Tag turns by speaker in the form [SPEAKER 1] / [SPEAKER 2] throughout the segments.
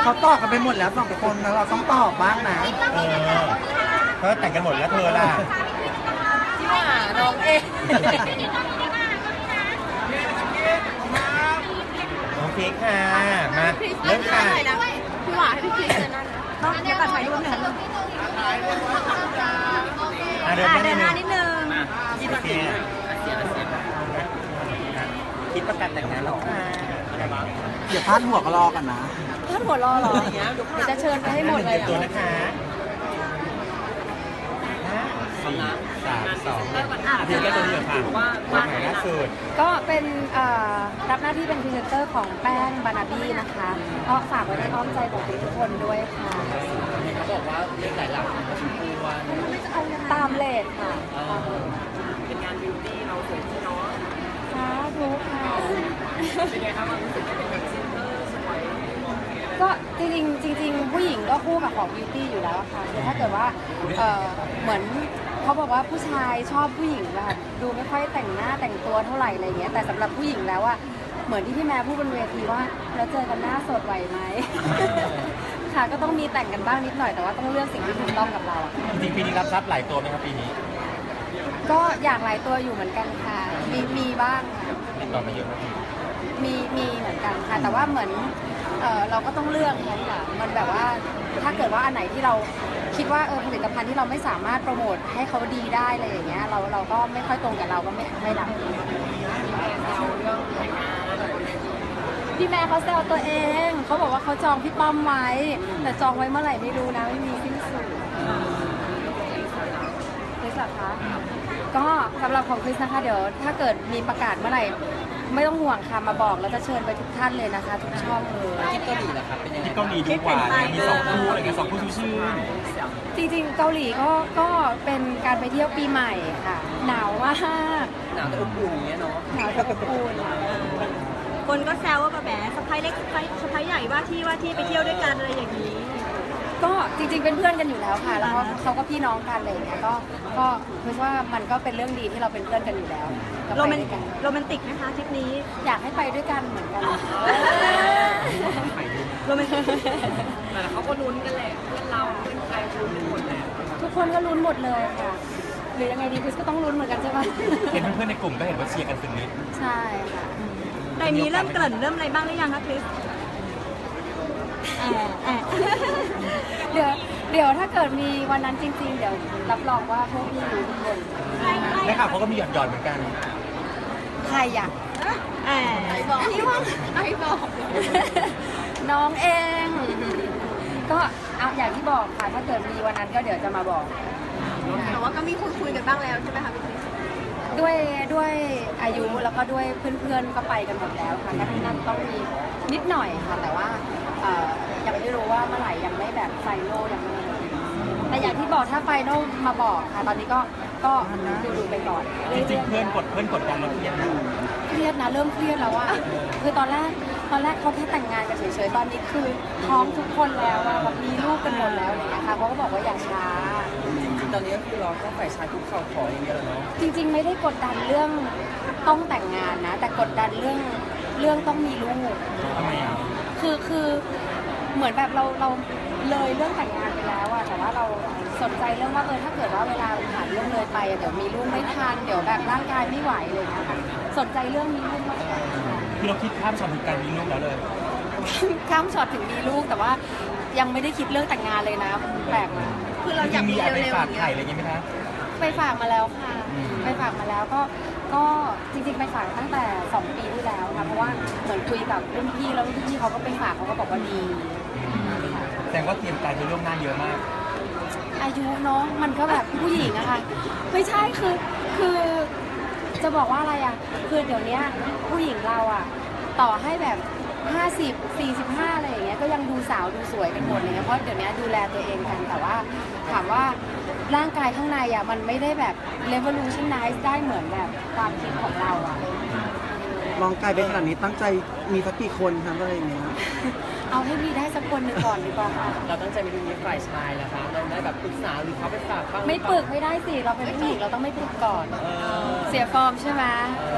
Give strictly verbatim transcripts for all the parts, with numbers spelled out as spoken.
[SPEAKER 1] เขาตอบกันไปหมดแล้วสองคนแล้วเราต้องตอบบ้างนะ
[SPEAKER 2] เออเธอแต่งกันหมดแล้วเธอล่ะ
[SPEAKER 3] ที่ว่าน้องเอง
[SPEAKER 2] โอเคค่ะ มาเริ่มค่ะ
[SPEAKER 3] พี่หวาให้พี่คริสเลยนั่นต้องจะตัดถ่ายรูปหนึ่ง
[SPEAKER 2] อ่ะเดิน
[SPEAKER 3] อ่า
[SPEAKER 2] หน้า
[SPEAKER 3] เดินหน้า
[SPEAKER 2] นิ
[SPEAKER 3] นิ
[SPEAKER 2] ด
[SPEAKER 3] ด
[SPEAKER 2] นึง
[SPEAKER 3] นึง
[SPEAKER 2] โอเคคิดประกันแต่งงานหรอค่ะ
[SPEAKER 1] เดี๋ยวพาดหัวก็รอกันนะ
[SPEAKER 3] ท่านหัวรอเหรออย่างเงี้ยเดี๋ยวจะเชิญไปให้หมดเลย
[SPEAKER 2] ตัวนะคะห้าสี่สามสองเพียงแค่ตัวเดียวค่ะตัวใหม่ล่าสุด
[SPEAKER 3] ก็เป็นเอ่อรับหน้าที่เป็นพรีเซนเตอร์ของแป้งบานาบี้นะคะก็ฝากไว้ในอ้อมใจของทุกคนด้วยค่ะเขาบอกว่าเลขหลายหลักตามเลทค่ะเป็นงานบิวตี้เราสวยที่เนาะค่ะรู้ค่ะเป็นไงคะความรู้สึกเป็นพรีเซนเตอร์สวยก็จริงๆจริงๆผู้หญิงก็คู่กับของบิวตี้อยู่แล้วค่ะคือถ้าเกิดว่าเอ่อเหมือนเขาบอกว่าผู้ชายชอบผู้หญิงแบบดูไม่ค่อยแต่งหน้าแต่งตัวเท่าไหร่อะไรเงี้ยแต่สำหรับผู้หญิงแล้วอะเหมือนที่พี่แม่พูดบนเวทีว่าแล้วเจอกันหน้าสดไหวไหม ค่ะก็ต้องมีแต่งกันบ้างนิดหน่อยแต่ว่าต้องเลือกสิ่งที่ถูกต้องกับเราอะ
[SPEAKER 2] จริงๆปีนี้รับทรัพย์หลายตัวไหมครับปีนี้
[SPEAKER 3] ก็อยากหลายตัวอยู่เหมือนกันค่ะมีมีบ้างค่ะ
[SPEAKER 2] ติดต่อมาเยอะไหมพี่
[SPEAKER 3] มีมีเหมือนกันค่ะแต่ว่าเหมือนเออเราก็ต้องเลือกนั้นค่ะมันแบบว่าถ้าเกิดว่าอันไหนที่เราคิดว่าเออผลิตภัณฑ์ที่เราไม่สามารถโปรโมทให้เขาดีได้อะไรอย่างเงี้ยเราเราก็ไม่ค่อยตรงกับเราก็ไม่ไม่รับพี่แม่เขาแซวตัวเองเขาบอกว่าเขาจองพี่ป้อมไว้ แต่จองไว้เมื่อไหร่ไม่รู้นะไม่มีสิ้นสุดคริสเหรอคะก็สำหรับของคริสนะคะเดี๋ยวถ้าเกิดมีประกาศเมื่อไหร่ไม่ต้องห่วงค่ะมาบอกแล้วจะเชิญไปทุกท่านเลยนะคะ ทุกช่องเลยที่เกาหลีนะครับเป็นยังไงที่เกาหลีดีกว่ามีสองคู่อะไรกันสองคู่ชื่อจริงๆเกาหลีก็ก็เป็นการไปเที่ยวปีใหม่ค่ะหนาวมากหนาวแต่อบอุ่นอย่างเงี้ยเนาะหนาวแต่อบอุ่น
[SPEAKER 4] คนก็แซวว่าแบบแหมสะพ้ายเล็กสะพ้ายสะพ้ายใหญ่ว่าที่ว่าที่ไปเที่ยวด้วยกันอะไรอย่างนี้
[SPEAKER 3] ก็จริงๆเป็นเพื่อนกันอยู่แล้วค่ะ แล้วก็เขาก็พี่น้องกันอะไรอย่างเงี้ยก็ก็คิดว่ามันก็เป็นเรื่องดีที่เราเป็นเพื่อนกันอยู่แล้วก็
[SPEAKER 4] โร
[SPEAKER 3] ไป
[SPEAKER 4] แมน
[SPEAKER 3] ด้วยกัน
[SPEAKER 4] โรแมนติกนะคะทริปนี้
[SPEAKER 3] อยากให้ไปด้วยกันเหมือนกัน
[SPEAKER 4] โรแมนติก
[SPEAKER 5] แต่เขาก็ลุ้นกันแหละเพื่อนเราเพื่อนใครลุ้นกันหมดแหละ
[SPEAKER 3] ทุกคนก็ลุ้นหมดเลยค่ะ หรือยังไงดีคริสก็ต้องลุ้นเหมือนกันใช่ไหม
[SPEAKER 2] เห็นเพื่อนๆในกลุ่มก็เห็นว่าเชียร์กันสุดฤทธิ์
[SPEAKER 3] ใช่ค่ะ
[SPEAKER 4] แต่นี้เริ่มเกริ่นเริ่มอะไรบ้างหรือยังคะคริสแอบแอบ
[SPEAKER 3] เดี๋ยวเดี๋ยวถ้าเกิดมีวันนั้นจริง ๆ เดี๋ยวรับรองว่าพวกพี่รู้ทุกคน
[SPEAKER 2] และข่าวเขาก็มีหยอดๆเหมือนกัน
[SPEAKER 3] ใครอยาก
[SPEAKER 4] แอบ
[SPEAKER 3] พี่ว่าไอ้บอก น้องเอง ก็เอาอย่างที่บอกค่ะถ้าเกิดมีวันนั้นก็เดี๋ยวจะมาบอก
[SPEAKER 4] แต่ว่าก็มีคุยคุยกันบ้างแล้วใช่ไหมคะพี่คริส
[SPEAKER 3] ด้วยด้วยอายุแล้วก็ด้วยเพื่อนๆก็ไปกันหมดแล้วค่ะแค่ที่นั่นต้องมีนิดหน่อยค่ะ แต่ว่าเอ่อยังไม่รู้ว่าเมื่อไหร่ยังไม่แบบไฟโนลยังไม่แต่อย่างที่บอกถ้าไฟโนลมาบอกค่ะ ตอนนี้ก็ก็ดูดูๆไปก่อน
[SPEAKER 2] จริงๆเพื่อนกดเพื่อนกดดันเราเครียดนะ
[SPEAKER 3] เครียดนะเริ่มเครียดแล้วว่าคือตอนแรกตอนแรกเขาแค่แต่งงานกันเฉยๆตอนนี้คือท้องทุกคนแล้วอะแบบมีลูกกันหมดแล้วอะไรอย่างเงี้ยค่ะเขาก็บอกว่าอย่าช้า
[SPEAKER 5] ตอนนี้ก็คือเราก็ฝ่ายชายคุกเข่าขออย่างเงี้ยเหรอเนาะ
[SPEAKER 3] จริงๆไม่ได้กดดันเรื่องต้องแต่งงานนะ แต่กดดันเรื่องเรื่องต้องมีลูก
[SPEAKER 2] ทำไมอ่ะ
[SPEAKER 3] คือคือเหมือนแบบเราเราเลยเรื่องแต่งงานไปแล้วอะแต่ว่าเราสนใจเรื่องว่าเออถ้าเกิดว่าเวลาผ่านเรื่องเลยไปอะเดี๋ยวมีลูกไม่ทันเดี๋ยวแบบร่างกายไม่ไหวเลยนะคะสนใจเรื่องมีลูกมากกว่า
[SPEAKER 2] คือเราคิดข้ามช็อตถึงการมีลูกแล้วเลย
[SPEAKER 3] ข้ามช็อตถึงมีลูกแต่ว่ายังไม่ได้คิดเรื่องแต่งงานเลยนะแปลกมาก
[SPEAKER 4] คือเรา
[SPEAKER 2] จ
[SPEAKER 4] อยาก
[SPEAKER 2] ริงๆมี
[SPEAKER 4] มี
[SPEAKER 2] อะไรไป
[SPEAKER 4] เร็วๆ
[SPEAKER 2] ฝา
[SPEAKER 4] อก ย่างเงี้
[SPEAKER 2] ไข่
[SPEAKER 4] ย
[SPEAKER 2] อะไรอย่างเงี้ยไหมคะ
[SPEAKER 3] ไปฝากมาแล้วค่ะ
[SPEAKER 2] อืม
[SPEAKER 3] ไปฝากมาแล้วก็ก็จริงๆไปฝากตั้งแต่สองปีที่แล้วค่ะเพราะว่าเหมือนคุยกับรุ่นพี่แล้วรุ่นพี่เขาก็ไปฝากเขาก็บอกว่าดีค่ะ
[SPEAKER 2] แสดงว่าเตรียมการไปล่วงหน้าเยอะมาก
[SPEAKER 3] อายุเนาะมันก็แบบผู้หญิงอะค่ะไม่ใช่คือคือจะบอกว่าอะไรอะคือเดี๋ยวนี้ผู้หญิงเราอะต่อให้แบบห้าสิบ สี่สิบห้าอะไรอย่างเงี้ยก็ยังดูสาวดูสวยกันหมดเลยเพราะเดี๋ยวนี้ดูแลตัวเองกันแต่ว่าถามว่าร่างกายข้างในอะมันไม่ได้แบบ revolutionize ได้เหมือนแบบความคิดของเราอะ
[SPEAKER 1] ลองไกลไปขนาดนี้ตั้งใจมีสักกี่คนครับอะไรอย่างเงี้ย
[SPEAKER 3] เอาให้มีได้สักคนหนึ่งก่อนดีกว่าค่ะ
[SPEAKER 5] เราตั้งใจไปดูมีฝ่ายชายนะคะเราได้แบบปรึกษาหรือเขาไปฝากบ้าง
[SPEAKER 3] ไม่ปรึกไม่ได้สิเราเป็นผู้หญิงเราต้องไม่ปรึกก่อน
[SPEAKER 5] เออ
[SPEAKER 3] เสียฟอร์มใช่ไหม
[SPEAKER 5] เออ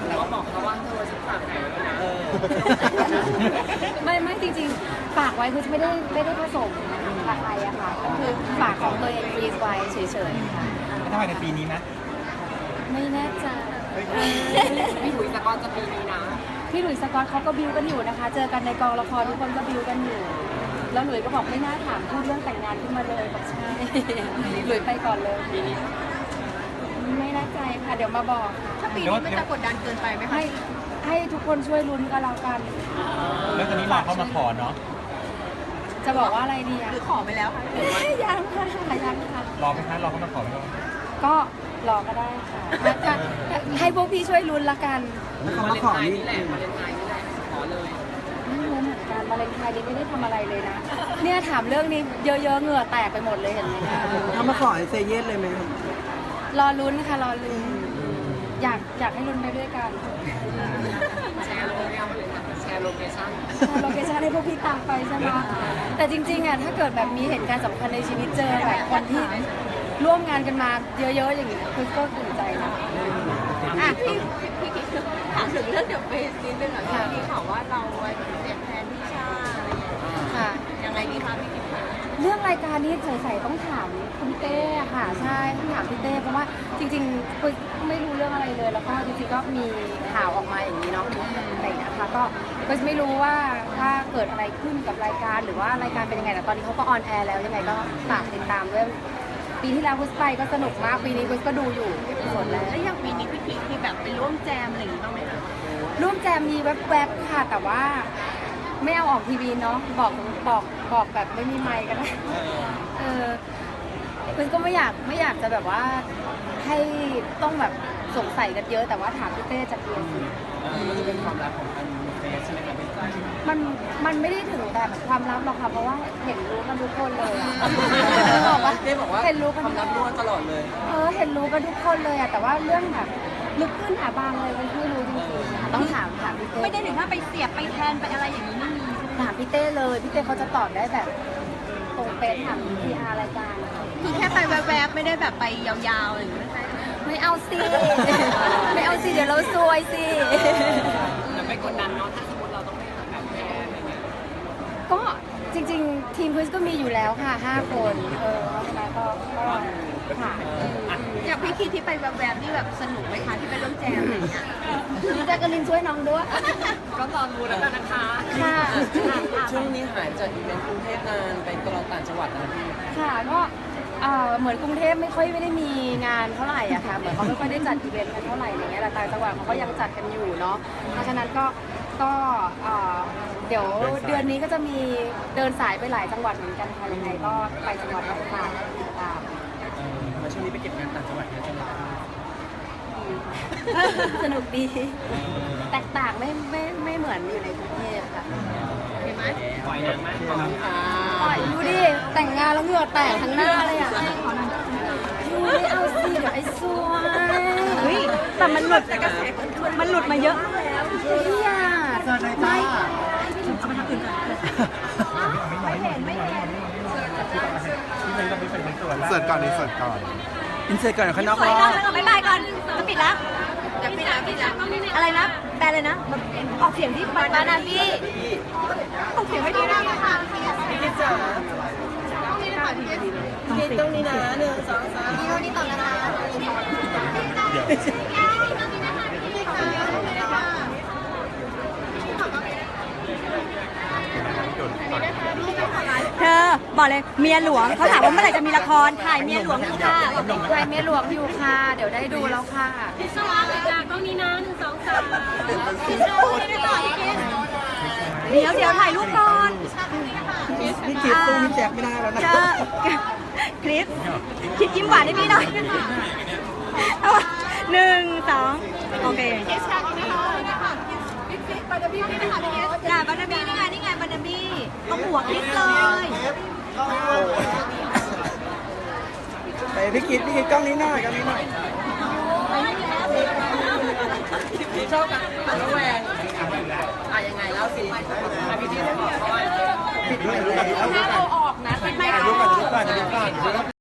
[SPEAKER 5] เราก็บอกเขาว่าเธอฉันฝากไหนไว้นะ
[SPEAKER 2] เออ
[SPEAKER 3] ไม่ไม่จริงๆฝากไว้คือไม่ได้ไม่ได้ผสมอะไรอะค่ะก็คือฝากของตัวเองฟรีซไว้เฉยๆค่ะ
[SPEAKER 2] ถ้าภายในปีนี้นะ
[SPEAKER 3] ไม่แน่ใจ
[SPEAKER 5] พี่หุยสกอตจะปีนี้นะ
[SPEAKER 3] พี่หลุยส์สกอตเขาก็บิวกันอยู่นะคะ เจอกันในกองละครทุกคนก็บิวกันอยู่ แล้วหลุยส์ก็บอกไม่น่าถามพูดเรื่องแต่งงานขึ้นมาเลยบอกใช่ หลุยส์ไปก่อนเลย ไม่แน่ใจค่ะ เดี๋ยวมาบอกค่ะ
[SPEAKER 4] ถ้าปีนี้มันจะกดดันเกินไปไหมคะ
[SPEAKER 3] ให้ให้ทุกคนช่วยลุ้นก็แล้วกัน
[SPEAKER 2] แล้วตอนนี้รอเข้ามาขอเนาะ
[SPEAKER 3] จะบอกว่าอะไรดีอะ
[SPEAKER 4] หรือขอไปแล้วคะ
[SPEAKER 3] ยังค่ะยังค่ะ
[SPEAKER 2] รอไหมคะรอเข้ามาขอไหมครับ
[SPEAKER 3] ก็รอก็ได้ค่ะถ้าให้พวกพี่ช่วยลุ้นละกัน
[SPEAKER 1] แล้วคำว่าขอนี่
[SPEAKER 5] นี่แหละวาเลนไทน์นี่แหละขอเลย
[SPEAKER 3] ไม่รู้เหมือนกันวาเลนไทน์นี้ไม่ได้ทำอะไรเลยนะ เนี่ยถามเรื่องนี้เยอะๆเหงื่อแตกไปหมดเลยเห็นไหมเนี่ย
[SPEAKER 1] ถ้ามาขอให้เซเยสเลยไหมครับ
[SPEAKER 3] รอลุ้นค่ะรอลุ้นอยากอยากให้ลุ้นไปด้วยกัน
[SPEAKER 5] แชร์โลเคชั่นแชร์โลเคชั่น
[SPEAKER 3] โลเคชั่นให้พวกพี่ตามไปใช่ไหมแต่จริงๆอ่ะถ้าเกิดแบบมีเหตุการณ์สำคัญในชีวิตเจอแบบคนที่ร่วมงานกันมาเยอะๆอย่างนี้คือก็ตื่นใจนะ
[SPEAKER 4] อ่ะพี่พี่คิดถามถึงเรื่องเดอะเฟสนิดนึงอ่ะที่มีข่าวว่าเราไว้เสียบแทนพี่ชาอะไรอย่างเงี้ย
[SPEAKER 3] ค่ะ
[SPEAKER 4] ยังไงดีคะพี่คิด
[SPEAKER 3] เรื่องรายการนี้ใส่ๆต้องถามคุณเต้ค่ะใช่ต้องถามพี่เต้เพราะว่าจริงๆคุยไม่รู้เรื่องอะไรเลย แล้วก็จริงๆก็มีข่าวออกมาอย่างนี้เนาะอะไรอย่างเงี้ยค่ะก็ก็ไม่รู้ว่าถ้าเกิดอะไรขึ้นกับรายการหรือว่ารายการเป็นยังไงแต่ตอนนี้เขาก็ออนแอร์แล้วยังไงก็ฝากติดตามด้วยปีที่แล้วคุสไปก็สนุกมากปีนี้คุสก็ดูอยู่หมดแล้ว
[SPEAKER 4] แล้วอย่างปีนี้พี่คิดมีแบบไปร่วมแจมอะไรอย่างงี้บ้างไหมคะ
[SPEAKER 3] ร่วมแจมมีแวบๆค่ะแต่ว่าไม่เอาออกทีวีเนาะบอกบอกบอกแบบไม่มีไมค์ก็ได้เออคุณก็ไม่อยากไม่อยากจะแบบว่าให้ต้องแบบสงสัยกันเยอะแต่ว่าถามพี่เต้จากเรียนสิ
[SPEAKER 2] มันจะเป็นความรักของอันเฟสใช่ไหมครับพี่ต้า
[SPEAKER 3] มันมันไม่ได้ถึงแบบความลับหรอกค่ะเพราะว่าเห็นรู้กันทุกคนเลยอะบอกว่า
[SPEAKER 1] เต้บอกว่า
[SPEAKER 3] เห็นรู้กัน
[SPEAKER 1] ความลับรั่วตลอดเลย
[SPEAKER 3] เออเห็นรู้กันทุกคนเลยอะแต่ว่าเรื่องแบบลึกขึ้นหาบางเลยมันไม่รู้จริงๆอะต้องถามถามพี่เต้
[SPEAKER 4] ไม่ได้ถึงถ้าไปเสียบไปแทนไปอะไรอย่างนี้ไม่มี
[SPEAKER 3] ถามพี่เต้เลยพี่เต้เขาจะตอบได้แบบตรงเป๊ะถามพีอาร์รายการอะ
[SPEAKER 4] คือแค่ไปแวบๆไม่ได้แบบไปยาวๆอะไรอย่างเงี้ย
[SPEAKER 3] ไม่เอาสิ ไม่เอาสิเดี๋ยวเราซวยสิ
[SPEAKER 5] จะไปกดดันเนาะถ้าสมมติเราต้องไปหาแบบแพ้อะไรเงี้ย
[SPEAKER 3] ก็จริงๆ ทีมควิสก็มีอยู่แล้วค่ะห้าคนเออเพราะฉะนั้นก็ก็ค่ะ
[SPEAKER 4] อย่างพี่คิดที่ไปแวบๆนี่แบบสนุกไหมคะที่ไปร่วมแจมอะไรอย่างเงี้ย
[SPEAKER 3] แจ็คกะลินช่วยน้องด้วย
[SPEAKER 5] ก็รอดูแล้วกันนะคะ
[SPEAKER 3] ค่ะ
[SPEAKER 1] ช่วงนี้หายจากอีเวนต์กรุงเทพนานไปตลอดต่างจังหวัดนะพี่
[SPEAKER 3] ค่ะก็เอ่อเหมือนกรุงเทพไม่ค่อยไม่ได้มีงานเท่าไหร่อะค่ะเหมือนเขาไม่ค่อยได้จัดอีเวนต์กันเท่าไหร่อะไรเงี้ยแต่ต่างจังหวัดเขาก็ยังจัดกันอยู่เนาะเพราะฉะนั้นก็ก็เอ่อเดี๋ยวเดือนนี้ก็จะมีเดินสายไปหลายจังหวัดเหมือนกันค่ะยังไงก็ไปจังหวัดต่างๆติดตาม
[SPEAKER 1] มาช่วงนี้ไปเก็บงานต่างจังหวัดเยอะจังเลย
[SPEAKER 3] สนุกดี แตกต่างไม่ไม่ไม่เหมือนอยู่ในกรุงเทพค่ะ
[SPEAKER 4] เห็นไหม
[SPEAKER 5] ปล่อยหนังไหม
[SPEAKER 3] ปล่อยดูดิ แต่งงานแล้วเหงื่อแตกทั้งหน้าเลยอ่ะดูไม่เอาสิเดี๋ยวไอ้ซวยเฮ้ยแต่มันหลุดมันหลุดมาเยอะแล้วพี่อ่ะ
[SPEAKER 1] เจอเลยจ้า
[SPEAKER 3] ไม่เห็นไม่เห็น
[SPEAKER 2] ที่เป็นก็ไม่เป็นตัว
[SPEAKER 6] เสิร์ฟก่อนดีเสิร์ฟก่อน
[SPEAKER 1] อินเสิร์ตก่อนข้างนอก
[SPEAKER 4] สวย
[SPEAKER 1] รอ
[SPEAKER 4] ก่อนแล้วก็บ๊ายบายก่อนจะปิดแล้วจะปิดแล้วปิดแล้วอะไรนะแปลเลยนะออกเสียงที่บานาบี้ออกเสียงไม่ดีนะค่ะพี่จ๋าตรงนี้นะหนึ่งสองสามนี่นี่ต่อนะคะ
[SPEAKER 2] เดี๋ยว
[SPEAKER 4] เธอบอกเลยเมียหลวงเขาถามว่าเมื่อไหร่จะมีละครถ่ายเมียหลวงอยู่ค่ะ
[SPEAKER 3] ถ่ายเมียหลวงอยู่ค่ะ เดี๋ยวได้ดูแล้วค่ะ
[SPEAKER 5] สวัสดีค่ะกล้องนี้นะหนึ่งสองสาม
[SPEAKER 4] เดี๋ยวเดี๋ยวถ่ายรูปก่อน
[SPEAKER 1] นี่คิดสู้พี่แจ็คไม่ได้แล้วนะ
[SPEAKER 4] เจอคลิปคิดยิ้มหวานให้พี่หน่อยเอาหนึ่งสองโอเคน่ะบานาบี้นี่ไงนี่ไงบานาบี้เอาหัวคลิปเลย
[SPEAKER 1] ไปพี่คิดพี่คิดกล้องนี้หน่อยกล้องนี้หน่อย
[SPEAKER 5] ชอบกันปันระแวงอ่ะยังไงเล่าสิอ่ะพี่ที่จะบอกเขาว่า
[SPEAKER 1] ปิดหน่อย
[SPEAKER 5] ถ้าเราออกนะเป็นไม่
[SPEAKER 2] ถ่ายรูปก่อนถ่ายรูปก่อนถ่ายรูปก่อน